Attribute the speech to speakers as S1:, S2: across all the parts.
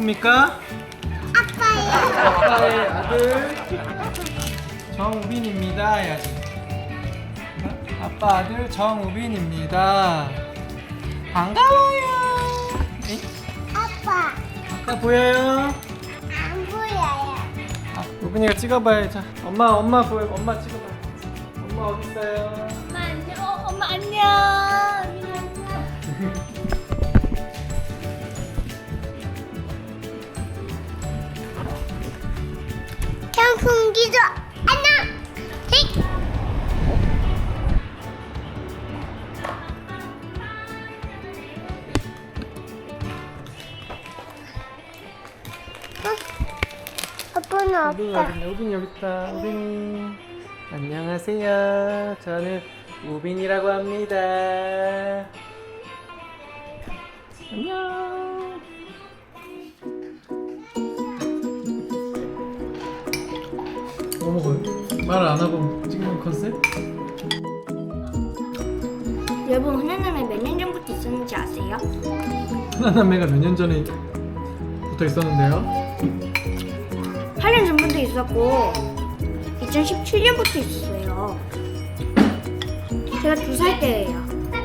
S1: 누구십니까? 아빠의 아들 정우빈입니다 해야지. 아빠 아들 정우빈입니다. 반가워요. 에이? 아빠 보여요?
S2: 안 보여요.
S1: 우빈이가 찍어봐요. 자, 엄마 보여. 엄마 찍어봐. 엄마 어디 있어요?
S2: 엄마 안녕. 엄마 안녕. 경풍기도 안녕. 틱. 아빠는
S1: 우빈이
S2: 없다.
S1: 어디 있냐? 우빈이 여기 있다. 우빈이 안녕하세요. 저는 우빈이라고 합니다. 안녕. 뭐 먹어요? 말을 안 하고 찍는 컨셉?
S2: 여러분 흔한남에 몇 년 전부터 있었는지 아세요?
S1: 하나남매가 몇 년 전에 부터 있었는데요.
S2: 8년 전부터 있었고 2017년부터 있었어요. 제가 2살 때예요.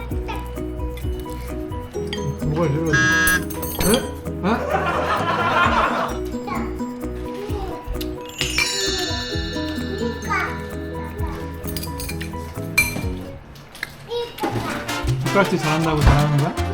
S1: 뭐가 이러지? 에? 어? 젓가락질 잘한다고 잘하는 거야?